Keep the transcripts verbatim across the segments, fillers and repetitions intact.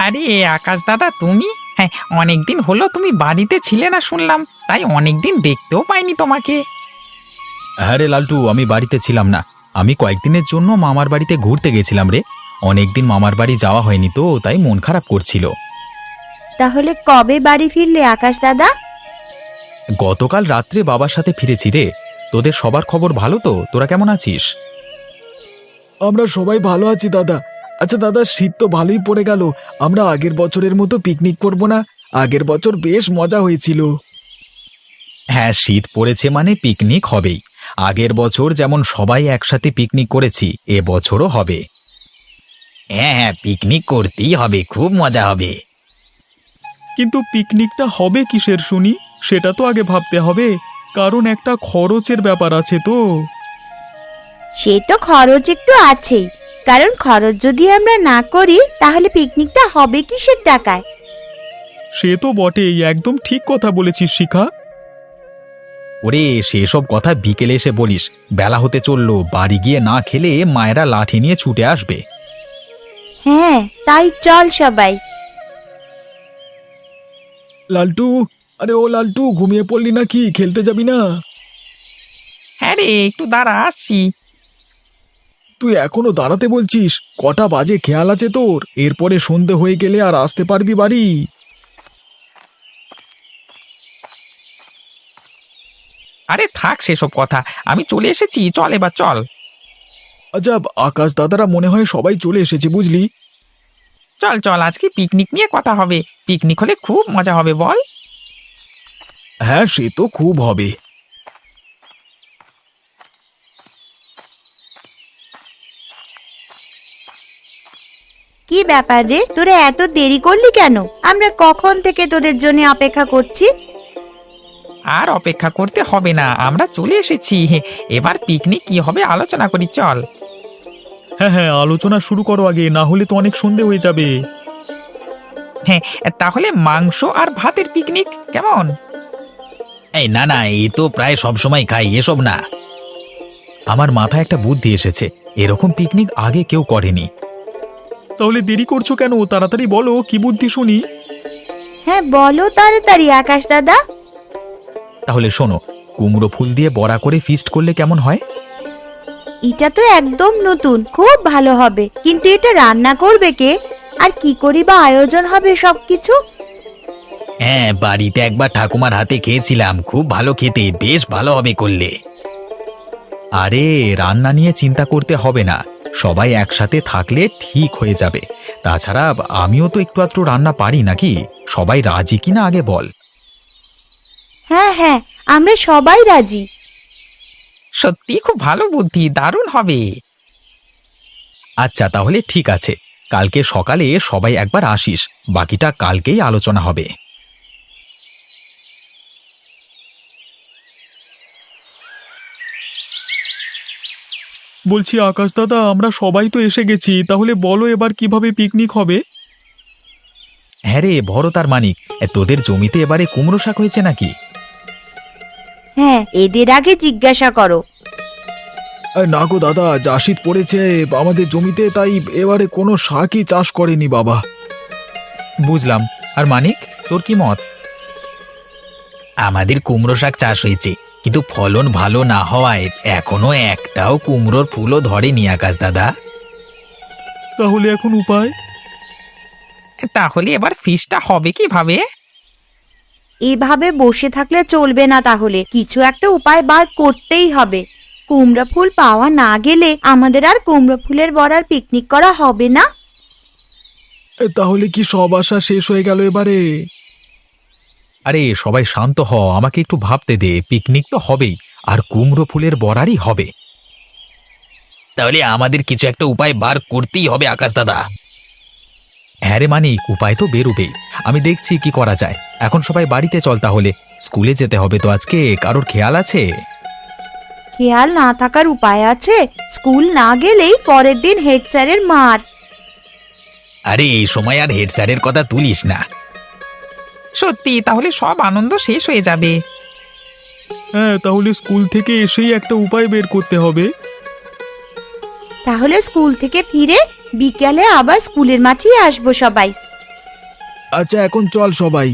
আরে আকাশ দাদা, তুমি? হ্যাঁ, অনেকদিন হলো তুমি বাড়িতে ছিলে না শুনলাম, তাই অনেকদিন দেখতেও পাইনি তোমাকে। হ্যাঁ রে লালটু, আমি বাড়িতে ছিলাম না। আমি কয়েকদিনের জন্য মামার বাড়িতে ঘুরতে গেছিলাম রে। অনেকদিন মামার বাড়ি যাওয়া হয়নি তো, তাই মন খারাপ করছিল। তাহলে কবে বাড়ি ফিরলে আকাশ দাদা? গতকাল রাত্রে বাবার সাথে ফিরেছি রে। তোদের সবার খবর ভালো তো? তোরা কেমন আছিস? আমরা সবাই ভালো আছি দাদা। আচ্ছা দাদা, শীত তো ভালোই পড়ে গেল। আমরা আগের বছরের মতো পিকনিক করব না? আগের বছর বেশ মজা হয়েছিল। হ্যাঁ, শীত পড়েছে মানে পিকনিক হবেই। আগের বছর যেমন সবাই একসাথে পিকনিক করেছি, এ বছরও হবে। হ্যাঁ হ্যাঁ, পিকনিক করতেই হবে, খুব মজা হবে। কিন্তু পিকনিকটা হবে কিসের শুনি, সেটা তো আগে ভাবতে হবে, কারণ একটা খরচের ব্যাপার আছে তো। সে তো খরচ একটু আছেই, কারণ খরচ যদি আমরা না করি তাহলে পিকনিকটা হবে কিসের টাকায়? সে তো বটেই, একদম ঠিক কথা বলেছিস শিখা। ওরে, সেসব কথা বিকেলে এসে বলিস। বেলা হতে চললো, বাড়ি গিয়ে না খেলে মায়েরা লাঠি নিয়ে ছুটে আসবে। হ্যাঁ, তাই চল সবাই। লালটু, আরে ও লালটু, ঘুমিয়ে পড়লি নাকি? খেলতে যাবি না? হ্যাঁ রে, একটু দাঁড়া, আসছি। তুই এখনো দাঁড়াতে বলছিস? কটা বাজে খেয়াল আছে তোর? এরপরে সন্ধে হয়ে গেলে আর আসতে পারবি বাড়ি? আরে থাক সেসব কথা, আমি চলে এসেছি, চল এবার চল। আচ্ছা, আকাশ দাদারা মনে হয় সবাই চলে এসেছে, বুঝলি? চল চল, আজকে পিকনিক নিয়ে কথা হবে। পিকনিক হলে খুব মজা হবে, বল? হ্যাঁ, সে তো খুব হবে। কি ব্যাপার রে, তোরা এত দেরি করলি কেন? আমরা কখন থেকে তোদের জন্য অপেক্ষা করছি। আর অপেক্ষা করতে হবে না, আমরা চলে এসেছি। এবার পিকনিক কি হবে আলোচনা করি, চল। হ্যাঁ হ্যাঁ, আলোচনা শুরু করো আগে, না হলে তো অনেক সন্ধে হয়ে যাবে। হ্যাঁ, তাহলে মাংস আর ভাতের পিকনিক কেমন? এই না না, এই তো প্রায় সব সময় খাই, এসব না। আমার মাথায় একটা বুদ্ধি এসেছে। এরকম পিকনিক আগে কেউ করেনি। তাহলে দেরি করছো কেন? তাড়াতাড়ি বলো, কি বুদ্ধি শুনি। হ্যাঁ বলো তাড়াতাড়ি আকাশ দাদা। তাহলে শোনো, কুমড়ো ফুল দিয়ে বড়া করে ফিস্ট করলে কেমন হয়? এটা তো একদম নতুন, খুব ভালো হবে। কিন্তু এটা রান্না করবে কে? আর কি করি বা আয়োজন হবে সবকিছু? হ্যাঁ, বাড়িতে একবার ঠাকুমার হাতে খেয়েছিলাম, খুব ভালো খেতে, বেশ ভালো হবে করলে। আরে রান্না নিয়ে চিন্তা করতে হবে না, সবাই একসাথে থাকলে ঠিক হয়ে যাবে। তাছাড়া আমিও তো একটু আধটু রান্না পারি, নাকি? সবাই রাজি কিনা আগে বল। হ্যাঁ হ্যাঁ, আমরা সবাই রাজি। সত্যি খুব ভালো বুদ্ধি, দারুণ হবে। আচ্ছা তাহলে ঠিক আছে, কালকে সকালে সবাই একবার আসিস, বাকিটা কালকেই আলোচনা হবে। বলছি আকাশ দাদা, আমরা সবাই তো এসে গেছি, তাহলে বলো এবার কিভাবে পিকনিক হবে। হ্যাঁ রে ভরত আর মানিক, তোদের জমিতে এবারে কুমড়ো শাক হয়েছে নাকি? হ্যাঁ, এদের আগে জিজ্ঞাসা করো। এই না গো দাদা, যা শীত পড়েছে আমাদের জমিতে, তাই এবারে কোনো শাকই চাষ করেনি বাবা। বুঝলাম। আর মানিক, তোর কি মত? আমাদের কুমড়ো শাক চাষ হয়েছে, কিন্তু ফলন ভালো না হওয়ায় এখনো একটাও কুমড়োর ফুলও ধরেনি আকাশ দাদা। তাহলে এখন উপায়? তাহলে এবার ফিশটা হবে কিভাবে? এভাবে বসে থাকলে চলবে না, তাহলে কিছু একটা উপায় বার করতেই হবে। কুমড়া ফুল পাওয়া না গেলে আমাদের আর কুমড়া ফুলের বড়ার পিকনিক করা হবে না। এ, তাহলে কি সব আশা শেষ হয়ে গেল এবারে? আরে সবাই শান্ত হ, আমাকে একটু ভাবতে দে। পিকনিক তো হবেই, আর কুমড়ো ফুলের বড়ারই হবে। তাহলে আমাদের কিছু একটা উপায় বার করতেই হবে আকাশ দাদা। হ্যাঁ রে মানিক, উপায় তো বেরোবেই। আমি দেখছি কি করা যায়। এখন সবাই বাড়িতে চল তাহলে, স্কুলে যেতে হবে তো আজকে। কারোর খেয়াল আছে? খেয়াল না থাকার উপায় আছে? স্কুল না গেলেই পরের দিন হেড স্যারের মার। আরে এই সময় আর হেড স্যারের কথা তুলিস না। সত্যি, তাহলে সব আনন্দ শেষ হয়ে যাবে। হ্যাঁ, তাহলে স্কুল থেকে এসেই একটা উপায় বের করতে হবে। তাহলে স্কুল থেকে ফিরে বিকেলে আবার স্কুলের মাঠেই আসবো সবাই। আচ্ছা এখন চল সবাই।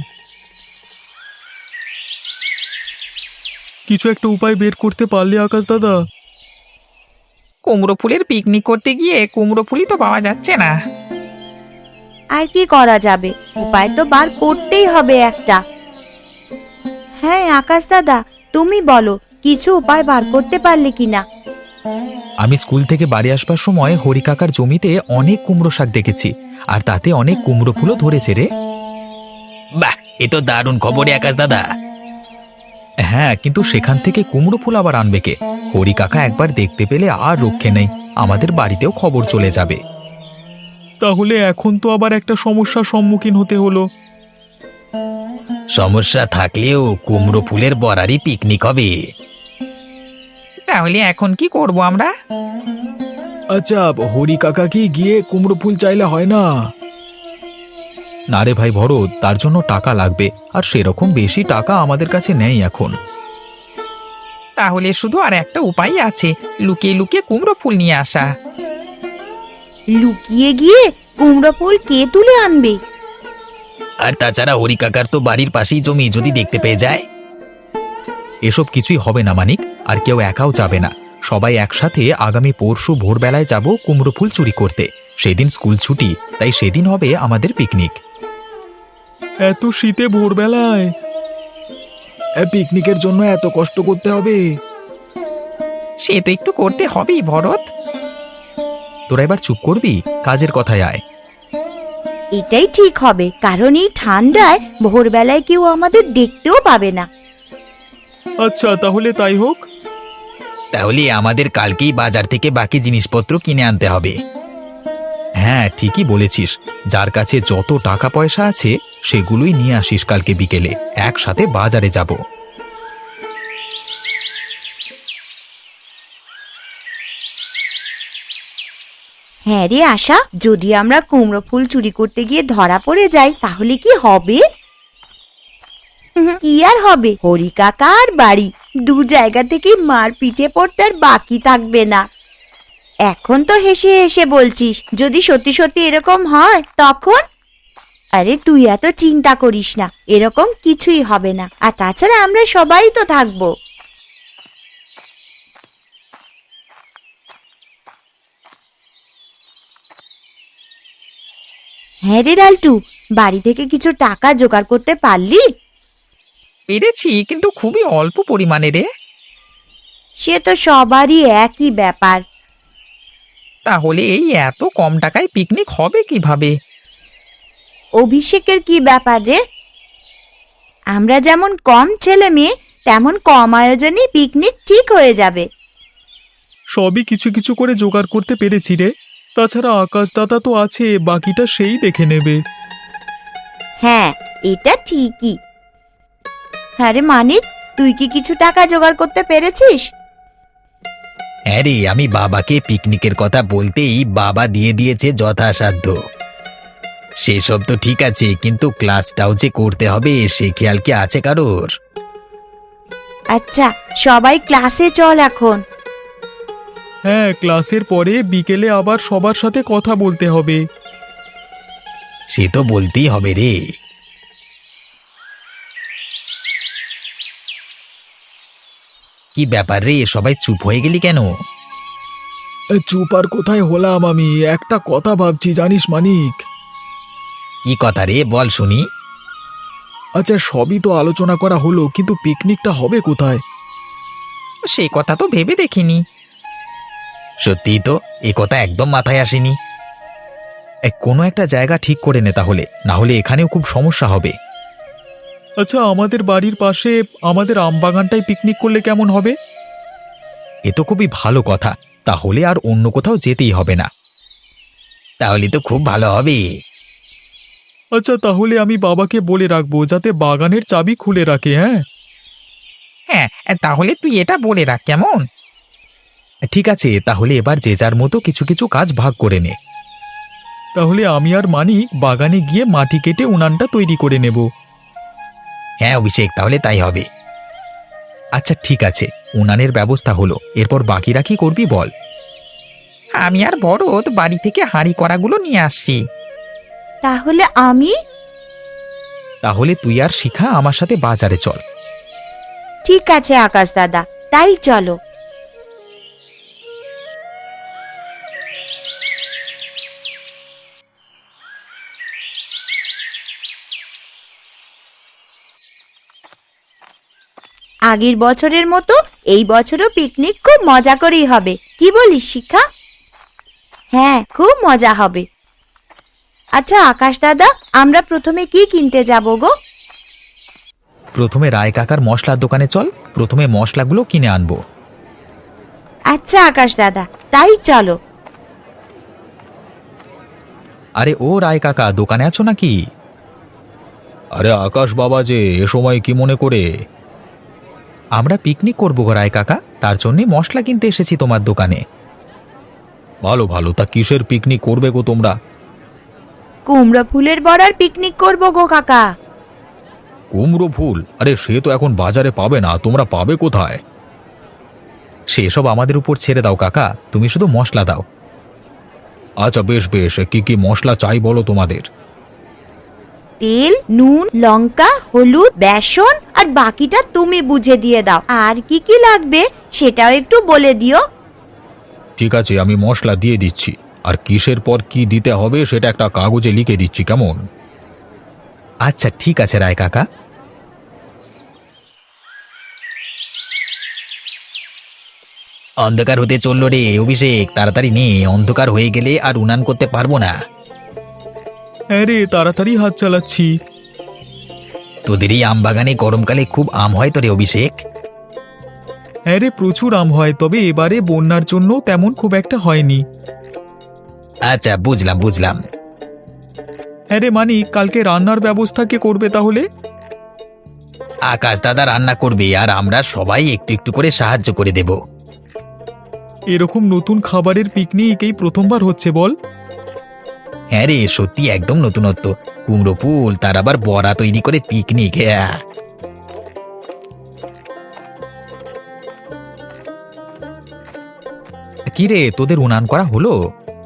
কিছু একটা উপায় বের করতে পারলে আকাশ দাদা। কুমড়ো ফুলের পিকনিক করতে গিয়ে কুমড়ো ফুলই তো পাওয়া যাচ্ছে না। আর কি করা যাবে, উপায় তো বার করতেই হবে একটা। হ্যাঁ আকাশ দাদা, তুমি বলো কিছু উপায় বার করতে পারলে কিনা। আমি স্কুল থেকে বাড়ি আসবার সময় হরি কাকার জমিতে অনেক কুমড়ো শাক দেখেছি, আর তাতে অনেক কুমড়ো ফুলও ধরেছে রে। বাহ, এ তো দারুণ খবর রে আকাশ দাদা। হ্যাঁ, কিন্তু সেখান থেকে কুমড়ো ফুল আবার আনবে কে? হরি কাকা একবার দেখতে পেলে আর রক্ষে নেই, আমাদের বাড়িতেও খবর চলে যাবে। তাহলে এখন তো আবার একটা সমস্যার সম্মুখীন হতে হলো। সমস্যা থাকলেও কুমড়ো ফুলের বরারই পিকনিক হবে। তাহলে এখন কি করব আমরা? আচ্ছা হরি কাকা কি গিয়ে কুমড়ো ফুল চাইলে হয় না? না রে ভাই ভরত, তার জন্য টাকা লাগবে, আর সেরকম বেশি টাকা আমাদের কাছে নেই এখন। তাহলে শুধু আর একটা উপায় আছে, লুকিয়ে লুকিয়ে কুমড়ো ফুল নিয়ে আসা। লুকিয়ে গিয়ে কুমড়ো ফুল কে তুলে আনবে? আর তাছাড়া হরি কাকার তো বাড়ির পাশেই জমি, যদি দেখতে পেয়ে যায়। এসব কিছুই হবে না মানিক, আর কেউ একাও যাবে না। সবাই একসাথে আগামী পরশু ভোরবেলায় যাব কুমড়ো ফুল চুরি করতে। সেদিন স্কুল ছুটি, তাই সেদিন হবে আমাদের পিকনিক। এত শীতে ভোরবেলায়? এ, পিকনিকের জন্য এত কষ্ট করতে হবে? সে তো একটু করতে হবেই ভরত। তোরা এবার চুপ করবি, কাজের কথায় আয়। এটাই ঠিক হবে, কারণ এই ঠান্ডায় ভোরবেলায় কেউ আমাদের দেখতেও পাবে না। আচ্ছা তাহলে তাই হোক। তাহলে আমাদের কালকেই বাজার থেকে বাকি জিনিসপত্র কিনে আনতে হবে। হ্যাঁ ঠিকই বলেছিস, যার কাছে যত টাকা পয়সা আছে সেগুলোই নিয়ে আসিস কালকে বিকেলে, একসাথে বাজারে যাব। হ্যাঁ রে আশা, যদি আমরা কুমড়ো ফুল চুরি করতে গিয়ে ধরা পড়ে যাই তাহলে কি হবে? কি আর হবে, হরি কাকা আর বাড়ি দু জায়গা থেকে মার পিঠে পড়তে আর বাকি থাকবে না। এখন তো হেসে হেসে বলছিস, যদি সত্যি সত্যি এরকম হয় তখন? আরে তুই এত চিন্তা করিস না, এরকম কিছুই হবে না। আর তাছাড়া আমরা সবাই তো থাকবো। হ্যাঁ রে লালটু, বাড়ি থেকে কিছু টাকা জোগাড় করতে পারলি? পেরেছি, কিন্তু খুবই অল্প পরিমাণে রে। সে তো সবারই একই ব্যাপার। তাহলে এই এত কম টাকায় পিকনিক হবে কিভাবে? অভিষেকের কি ব্যাপার রে? আমরা যেমন কম ছেলে মেয়ে, তেমন কম আয়োজনে পিকনিক ঠিক হয়ে যাবে। সবই কিছু কিছু করে জোগাড় করতে পেরেছি রে। তাছাড়া আকাশ দাদা তো আছে, বাকিটা সেই দেখে নেবে। হ্যাঁ এটা ঠিকই। হ্যাঁ রে মানিক, তুই কি কিছু টাকা জোগাড় করতে পেরেছিস? হ্যাঁ রে, আমি বাবাকে পিকনিকের কথা বলতেই বাবা দিয়ে দিয়েছে যথাসাধ্য। সেসব তো ঠিক আছে, কিন্তু ক্লাসটাও যে করতে হবে সে খেয়াল কি আছে কারোর? আচ্ছা সবাই ক্লাসে চল এখন। হ্যাঁ, ক্লাসের পরে বিকেলে আবার সবার সাথে কথা বলতে হবে। সে তো বলতেই হবে রে। কি ব্যাপার রে, সবাই চুপ হয়ে গেলি কেন? এ, চুপ আর কোথায় হলাম, আমি একটা কথা ভাবছি জানিস মানিক। কি কথা রে, বল শুনি। আচ্ছা সবই তো আলোচনা করা হলো, কিন্তু পিকনিকটা হবে কোথায়? সেই কথা তো ভেবে দেখিনি। সত্যিই তো, এ কথা একদম মাথায় আসেনি। এ, কোনো একটা জায়গা ঠিক করে নে তাহলে, না হলে এখানেও খুব সমস্যা হবে। আচ্ছা, আমাদের বাড়ির পাশে আমাদের আমবাগানটায় পিকনিক করলে কেমন হবে? এ তো খুবই ভালো কথা, তাহলে আর অন্য কোথাও যেতেই হবে না। তাহলে তো খুব ভালো হবে। আচ্ছা তাহলে আমি বাবাকে বলে রাখবো যাতে বাগানের চাবি খুলে রাখে। হ্যাঁ হ্যাঁ, তাহলে তুই এটা বলে রাখ কেমন? ঠিক আছে, তাহলে এবার যে যার মতো কিছু কিছু কাজ ভাগ করে নে। তাহলে আমি আর মানিক বাগানে গিয়ে মাটি কেটে উনানটা তৈরি করে নেব। হ্যাঁ অভিষেক, তাহলে তাই হবে। আচ্ছা ঠিক আছে, উনানের ব্যবস্থা হলো, এরপর বাকিরা কি করবি বল? আমি আর ভরত বাড়ি থেকে হাঁড়ি কড়াগুলো নিয়ে আসছি। তাহলে আমি? তাহলে তুই আর শিখা আমার সাথে বাজারে চল। ঠিক আছে আকাশ দাদা, তাই চলো। আগের বছরের মতো এই বছরও পিকনিক খুব মজা করেই হবে, কি বলিস শিখা? হ্যাঁ, খুব মজা হবে। আচ্ছা আকাশ দাদা, আমরা প্রথমে কি কিনতে যাব গো? প্রথমে রায় কাকার মশলার দোকানে চল, প্রথমে মশলাগুলো কিনে আনবো। আচ্ছা আকাশ দাদা, তাই চলো। আরে ও রায় কাকা, দোকানে আছো নাকি? আরে আকাশ বাবা যে, এ সময় কি মনে করে? আমরা পিকনিক করবো গো রায় কাকা, তার জন্যে মশলা কিনতে এসেছি তোমার দোকানে। ভালো ভালো, তা কিসের পিকনিক করবে গো তোমরা? কুমড়ো ফুলের বড়ার পিকনিক করবো গো কাকা। কুমড়ো ফুল? আরে সে তো এখন বাজারে পাবে না, তোমরা পাবে কোথায়? সেসব আমাদের উপর ছেড়ে দাও কাকা, তুমি শুধু মশলা দাও। আচ্ছা বেশ বেশ, কি কি মশলা চাই বলো তোমাদের? তেল, নুন, লঙ্কা, হলুদ, বেসন আর বাকিটা তুমি বুঝে দিয়ে দাও। আর কি কি লাগবে সেটাও একটু বলে দিও। ঠিক আছে, আমি মশলা দিয়ে দিচ্ছি, আর কিসের পর কি দিতে হবে সেটা একটা কাগজে লিখে দিচ্ছি, কেমন? আচ্ছা ঠিক আছে রায় কাকা। অন্ধকার হতে চললো রে অভিষেক, তাড়াতাড়ি নে, অন্ধকার হয়ে গেলে আর উনান করতে পারবো না। হ্যাঁ রে, তাড়াতাড়ি হাত চালাচ্ছি। তোদের এই আম বাগানে গরমকালে খুব আম হয় তো রে অভিষেক? হ্যাঁ রে, প্রচুর আম হয়, তবে এবারে বন্যার জন্য তেমন খুব একটা হয়নি। আচ্ছা বুঝলাম বুঝলাম। হ্যাঁ রে মানিক, কালকে রান্নার ব্যবস্থা কে করবে তাহলে? আকাশ দাদা রান্না করবে, আর আমরা সবাই একটু একটু করে সাহায্য করে দেব। এরকম নতুন খাবারের পিকনিক এই প্রথমবার হচ্ছে বল? হ্যাঁ রে, সত্যি একদম নতুনত্ব। কুমড়ো ফুল, তার আবার বড়া তৈরি করে পিকনিক। হ্যাঁ কি রে, তোদের উনান করা হলো?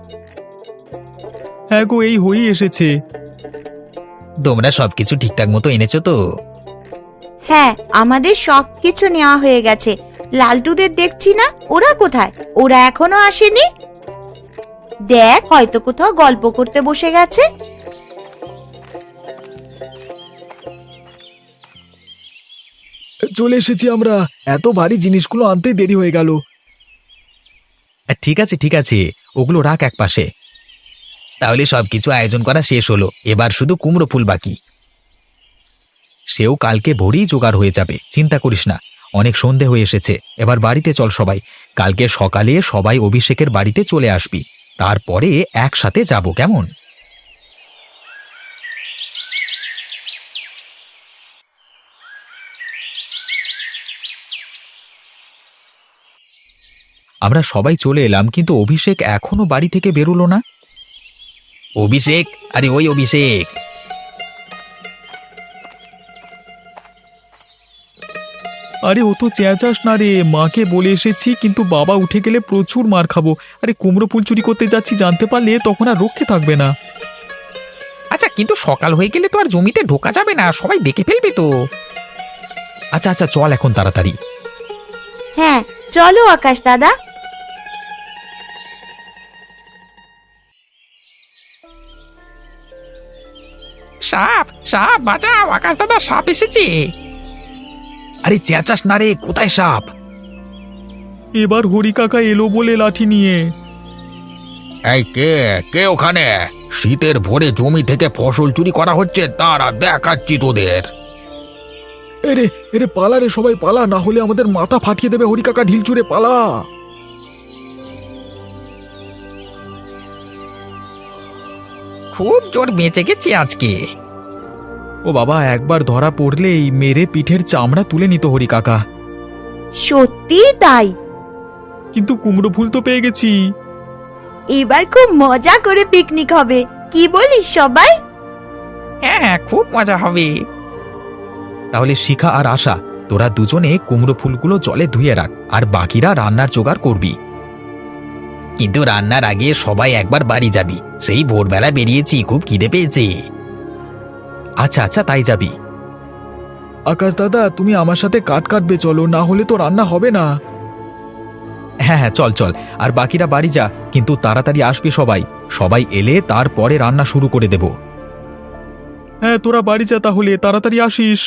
হ্যাঁ গো, এই হয়েই এসেছে। তোমরা সবকিছু ঠিকঠাক মতো এনেছো তো? হ্যাঁ, আমাদের সব কিছু নেওয়া হয়ে গেছে। লালটুদের দেখছি না, ওরা কোথায়? ওরা এখনো আসেনি। দেখ, হয়তো কোথাও গল্প করতে বসে গেছে। চলে এসেছি আমরা, এত ভারী জিনিসগুলো আনতে দেরি হয়ে গেল। ঠিক আছে ঠিক আছে, ওগুলো রাখ এক পাশে। তাহলে সবকিছু আয়োজন করা শেষ হলো, এবার শুধু কুমড়ো ফুল বাকি। সেও কালকে ভোরেই জোগাড় হয়ে যাবে, চিন্তা করিস না। অনেক সন্ধে হয়ে এসেছে, এবার বাড়িতে চল সবাই। কালকে সকালে সবাই অভিষেকের বাড়িতে চলে আসবি, তারপরে একসাথে যাব, কেমন? আমরা সবাই চলে এলাম, কিন্তু অভিষেক এখনো বাড়ি থেকে বেরোলো না। অভিষেক, আরে ওই অভিষেক! আরে ও তো চেঁচাস না রে, মাকে বলে এসেছি, কিন্তু বাবা উঠে গেলে প্রচুর মার খাবো। আরে কুমড়ো ফুল চুরি করতে যাচ্ছি জানতে পারলে তখন আর রক্ষে থাকবে না। আচ্ছা, কিন্তু সকাল হয়ে গেলে তো আর জমিতে ঢোকা যাবে না, সবাই দেখে ফেলবে তো। আচ্ছা আচ্ছা, চল এখন তাড়াতাড়ি। হ্যাঁ চলো আকাশ দাদা। সাপ সাপ, বাঁচাও, আকাশ দাদা সাপ এসেছে। আরে চেঁচাস না রে, কোথায় সাপ? এবার হরি কাকা এলো বলে লাঠি নিয়ে। এই কে কে ওখানে? শীতের ভোরে জমি থেকে ফসল চুরি করা হচ্ছে, তারা দেখাচ্ছি তোদের। এরে এরে পালা রে, সবাই পালা, না হলে আমাদের মাথা ফাটিয়ে দেবে হরি কাকা, ঢিল চুরে পালা। খুব জোর বেঁচে গেছি আজকে। ও বাবা, একবার ধরা পড়লেই মেরে পিঠের চামড়া তুলে নিত হরি কাকা। সত্যি তাই। কিন্তু কুমড়ো ফুল তো পেয়ে গেছি। এবার খুব মজা করে পিকনিক হবে, কি বলিস সবাই? হ্যাঁ হ্যাঁ, খুব মজা হবে। তাহলে শিখা আর আশা, তোরা দুজনে কুমড়ো ফুলগুলো জলে ধুয়ে রাখ, আর বাকিরা রান্নার জোগাড় করবি। কিন্তু রান্নার আগে সবাই একবার বাড়ি যাবি, সেই ভোরবেলা বেরিয়েছি, খুব খিদে পেয়েছে। আচ্ছা আচ্ছা তাই যাবি। আকাশ দাদা, তুমি আমার সাথে কাট কাটবে চলো, না হলে তো রান্না হবে না। হ্যাঁ হ্যাঁ চল চল, আর বাকিরা বাড়ি যা, কিন্তু তাড়াতাড়ি আসবি সবাই। সবাই এলে তারপরে রান্না শুরু করে দেব। হ্যাঁ তোরা বাড়ি যা তাহলে, তাড়াতাড়ি আসিস।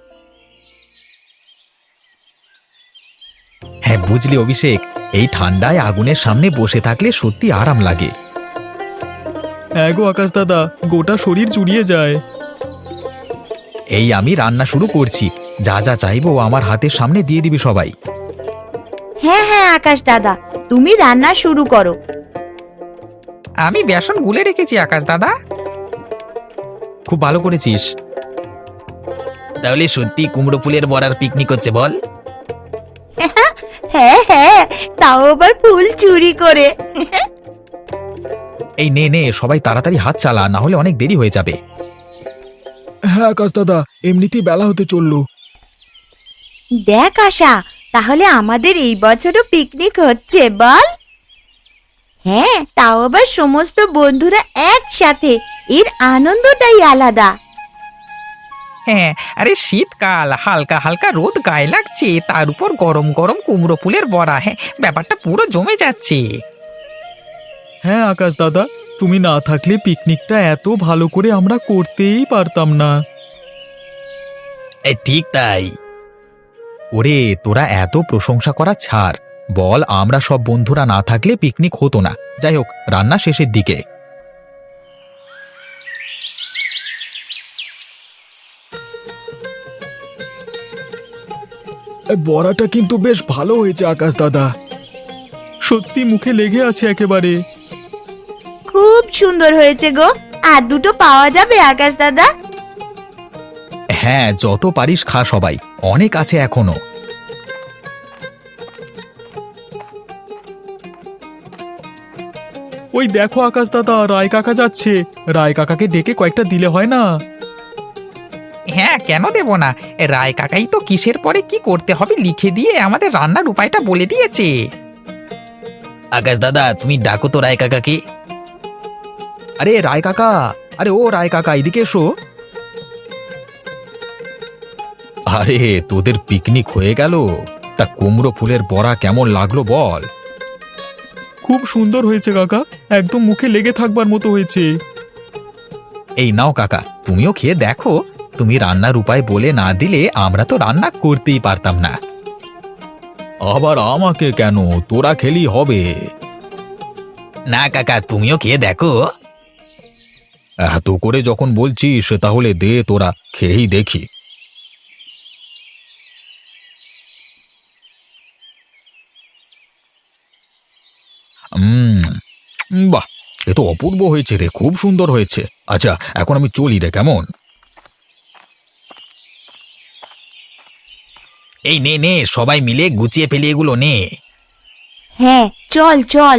হ্যাঁ বুঝলি অভিষেক, এই ঠান্ডায় আগুনের সামনে বসে থাকলে সত্যি আরাম লাগে। হ্যাঁ গো আকাশ দাদা, গোটা শরীর জুড়িয়ে যায়। এই আমি রান্না শুরু করছি, যা যা চাইবো আমার হাতের সামনে দিয়ে দিবি সবাই। হ্যাঁ হ্যাঁ আকাশ দাদা, তুমি রান্না শুরু করো। আমি বেসন গুলে রেখেছি আকাশ দাদা। খুব ভালো করেছিস। তাহলে সত্যি কুমড়ো ফুলের বড়ার পিকনিক হচ্ছে বল? হ্যাঁ হ্যাঁ, তাও আবার ফুল চুরি করে। এই নে নে, সবাই তাড়াতাড়ি হাত চালা, না হলে অনেক দেরি হয়ে যাবে। হ্যাঁ আকাশ দাদা, এমনিতেই বেলা হতে চললো। দেখ আশা, তাহলে আমাদের এই বছরও পিকনিক হচ্ছে বল? হ্যাঁ, তাও আবার সমস্ত বন্ধুরা একসাথে, এর আনন্দটাই আলাদা। হ্যাঁ, আরে শীতকাল, হালকা হালকা রোদ গায়ে লাগছে, তার উপর গরম গরম কুমড়ো ফুলের বড়া। হ্যাঁ, ব্যাপারটা পুরো জমে যাচ্ছে। হ্যাঁ আকাশ দাদা, তুমি না থাকলে পিকনিকটা এত ভালো করে আমরা করতেই পারতাম না। এই ঠিক তাই। ওরে তোরা এত প্রশংসা করা ছাড়, বল আমরা সব বন্ধুরা না থাকলে পিকনিক হতো না। যাই হোক, রান্না শেষের দিকে। এ, বড়াটা কিন্তু বেশ ভালো হয়েছে আকাশ দাদা। সত্যি মুখে লেগে আছে একেবারে। খুব সুন্দর হয়েছে গো। আর দুটো পাওয়া যাবে আকাশ দাদা? হ্যাঁ, যত পারিস খা সবাই, অনেক আছে এখনো। ওই দেখো আকাশ দাদা, রায় কাকা যাচ্ছে। রায় কাকাকে ডেকে কয়েকটা দিলে হয় না? হ্যাঁ, কেন দেব না? এ রায় কাকাই তো কিসের পরে কি করতে হবে লিখে দিয়ে আমাদের রান্নার উপায়টা বলে দিয়েছে। আকাশ দাদা, তুমি ডাকো তো রায় কাকাকে। আরে রায় কাকা, আরে ও রায় কাকা, এদিকে এসো। আরে তোদের পিকনিক হয়ে গেল? তা কুমড়ো ফুলের বড়া কেমন লাগলো বল? খুব সুন্দর হয়েছে কাকা, একদম মুখে লেগে থাকবার মতো হয়েছে। এই নাও কাকা, তুমিও খেয়ে দেখো। তুমি রান্নার উপায় বলে না দিলে আমরা তো রান্না করতেই পারতাম না। আবার আমাকে কেন? তোরা খেলি হবে। না কাকা, তুমিও খেয়ে দেখো। এত করে যখন বলছিস তাহলে দে, তোরা খেয়েই দেখি। উম, বাহ, এ তো অপূর্ব হয়েছে রে, খুব সুন্দর হয়েছে। আচ্ছা, এখন আমি চলি রে, কেমন? এই নে নে, সবাই মিলে গুছিয়ে ফেলি এগুলো নে। হ্যাঁ, চল চল।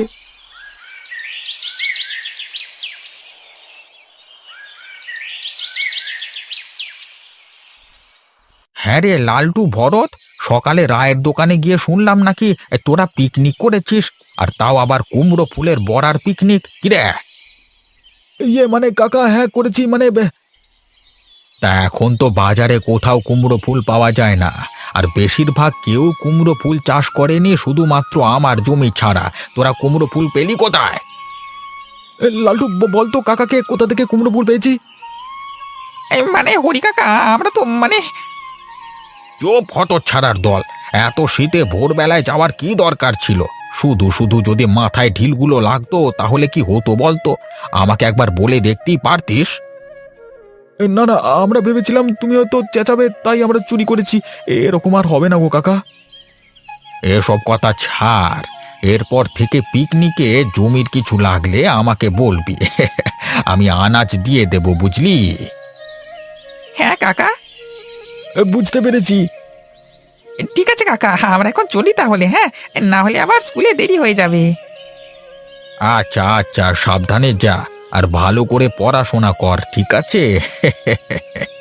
হ্যাঁ রে লালটু, ভরত, সকালে রায়ের দোকানে গিয়ে শুনলাম নাকি এ, তোরা পিকনিক করেছিস, আর তাও আবার কুমড়ো ফুলের বড়ার পিকনিক। কিরে? ইয়ে মানে কাকা, হ্যাঁ করেছি মানে বে- তা এখন তো বাজারে কোথাও কুমড়ো ফুল পাওয়া যায় না, আর বেশিরভাগ কেউ কুমড়ো ফুল চাষ করেনি, শুধুমাত্র আমার জমি ছাড়া। তোরা কুমড়ো ফুল পেলি কোথায়? এ, লালটু ব- বলতো কাকাকে কোথা থেকে কুমড়ো ফুল পেয়েছি। এই মানে হরি কাকা, আমরা তো মানে চুপ হত ছাড়ার দল, এত শীতে ভোরবেলায় যাওয়ার কি দরকার ছিল? শুধু শুধু যদি মাথায় ঢিলগুলো লাগতো তাহলে কি হতো বলতো? আমাকে একবার বলে দেখতেই পারতিস। এ, না না, আমরা ভেবেছিলাম তুমি হয়তো চেঁচাবে, তাই আমরা চুরি করেছি। এরকম আর হবে না গো কাকা। এসব কথা ছাড়, এরপর থেকে পিকনিকে জমির কিছু লাগলে আমাকে বলবি। আমি আনাজ দিয়ে দেব, বুঝলি? হ্যাঁ কাকা, এ, বুঝতে পেরেছি। ঠিক আছে কাকা, আমরা এখন চলি তাহলে। হ্যাঁ, না হলে আবার স্কুলে দেরি হয়ে যাবে। আচ্ছা আচ্ছা, সাবধানে যা, আর ভালো করে পড়াশোনা কর, ঠিক আছে?